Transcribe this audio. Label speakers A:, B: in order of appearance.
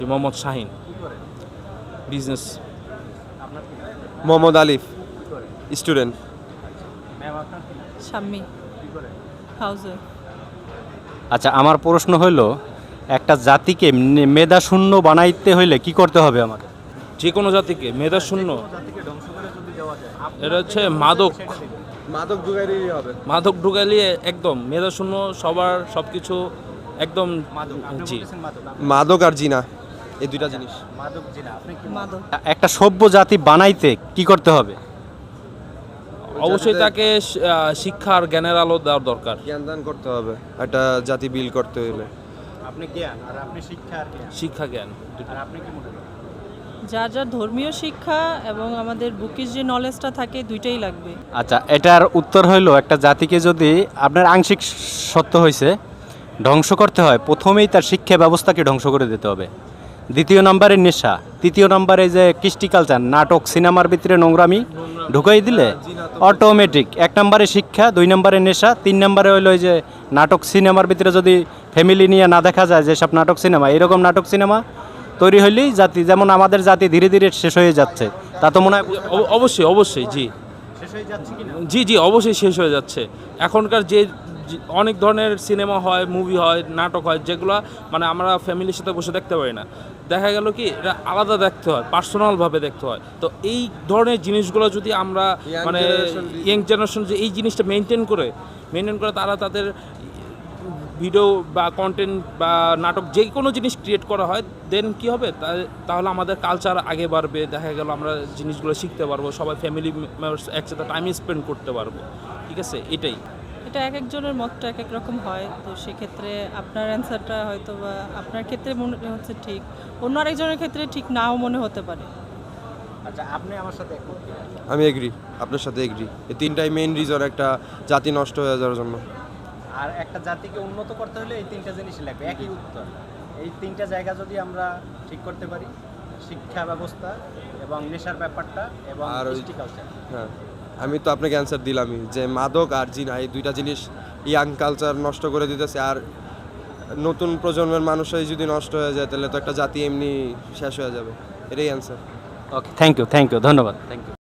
A: Mohammad Shahin, business.
B: Mohammad আলিফ, student.
C: Shammi, হাউজে।
D: আচ্ছা, আমার প্রশ্ন হলো একটা জাতিকে মেধাশূন্য বানাইতে হইলে কি করতে হবে আমাদের?
A: যে কোনো জাতিকে মেধা শূন্য, এটা হচ্ছে মাদক
B: মাদক ঢুকাইলেই হবে।
A: মাদক ঢুকাইলে একদম মেধা শূন্য, সবার সব কিছু একদম। জি,
B: মাদক আর জিনা, এই দুইটা জিনিস।
C: মাদক।
D: একটা সভ্য জাতি বানাইতে কি করতে হবে?
A: অবশ্যই তাকে শিক্ষা আর জ্ঞানের আলো দেওয়ার দরকার।
B: জ্ঞান দান করতে হবে একটা জাতি বিল করতে হলে।
E: আপনি জ্ঞান আর আপনি শিক্ষা আর জ্ঞান,
A: শিক্ষা জ্ঞান
E: আর আপনি কি মনে করেন?
C: যার যার ধর্মীয় শিক্ষা এবং আমাদের বুকিশ যে নলেজটা থাকে দুইটাই লাগবে।
D: আচ্ছা, এটার উত্তর হইলো একটা জাতিকে যদি আপনার আংশিক সত্য হয়েছে ধ্বংস করতে হয়, প্রথমেই তার শিক্ষা ব্যবস্থাকে ধ্বংস করে দিতে হবে। দ্বিতীয় নম্বরে নেশা, তৃতীয় নম্বরে যে কৃষ্টি কালচার, নাটক, সিনেমার ভিতরে নোংরামি ঢুকাই দিলে অটোমেটিক। এক নম্বরে শিক্ষা, দুই নম্বরে নেশা, তিন নম্বরে হইলো ওই যে নাটক সিনেমার ভিতরে যদি ফ্যামিলি নিয়ে না দেখা যায় যেসব নাটক সিনেমা, এরকম নাটক সিনেমা তৈরি হইলেই জাতি, যেমন আমাদের জাতি ধীরে ধীরে শেষ হয়ে যাচ্ছে, তা তো মনে হয়।
A: অবশ্যই অবশ্যই, জি
E: শেষ হয়ে যাচ্ছে কিনা?
A: জি, অবশ্যই শেষ হয়ে যাচ্ছে। এখনকার যে অনেক ধরনের সিনেমা হয়, মুভি হয়, নাটক হয়, যেগুলো মানে আমরা ফ্যামিলির সাথে বসে দেখতে পারি না। দেখা গেল কি এটা আলাদা দেখতে হয়, পার্সোনালভাবে দেখতে হয়। তো এই ধরনের জিনিসগুলো যদি আমরা মানে ইয়াং জেনারেশন যে এই জিনিসটা মেনটেন করে তারা তাদের ভিডিও বা কন্টেন্ট বা নাটক যে কোনো জিনিস ক্রিয়েট করা হয়, দেন কি হবে, তাহলে আমাদের কালচার আগে বাড়বে। দেখা গেল আমরা জিনিসগুলো শিখতে পারবো, সবাই ফ্যামিলি মেম্বার্স একসাথে টাইম স্পেন্ড করতে পারবো। ঠিক আছে, এটাই।
C: এটা এক একজনের মতটা এক এক রকম হয়, তো সেক্ষেত্রে আপনার অ্যান্সারটা হয়তো বা আপনার ক্ষেত্রে মনে হচ্ছে ঠিক, অন্য আরেকজনের ক্ষেত্রে ঠিক নাও মনে হতে পারে।
E: আচ্ছা, আপনি আমার সাথে একমত কিনা?
B: আমি এগ্রি, আপনার সাথে এগ্রি। এই তিনটাই মেইন রিজন একটা জাতি নষ্ট হয়ে যাওয়ার জন্য।
E: আর একটা জাতিকে উন্নত করতে হলে এই তিনটা জিনিসই লাগবে, একই উত্তর। এই তিনটা জায়গা যদি আমরা ঠিক করতে পারি, শিক্ষা ব্যবস্থা এবং নেশার ব্যাপারটা এবং
B: আর ওই-
E: কৃষ্টি কালচার।
B: হ্যাঁ, আমি তো আপনাকে অ্যান্সার দিলামই যে মাদক আর জিনা, এই দুইটা জিনিস ইয়াং কালচার নষ্ট করে দিতেছে। আর নতুন প্রজন্মের মানুষই যদি নষ্ট হয়ে যায় তাহলে তো একটা জাতি এমনি শেষ হয়ে যাবে। এটাই অ্যান্সার।
D: ওকে, থ্যাংক ইউ, ধন্যবাদ, থ্যাংক ইউ।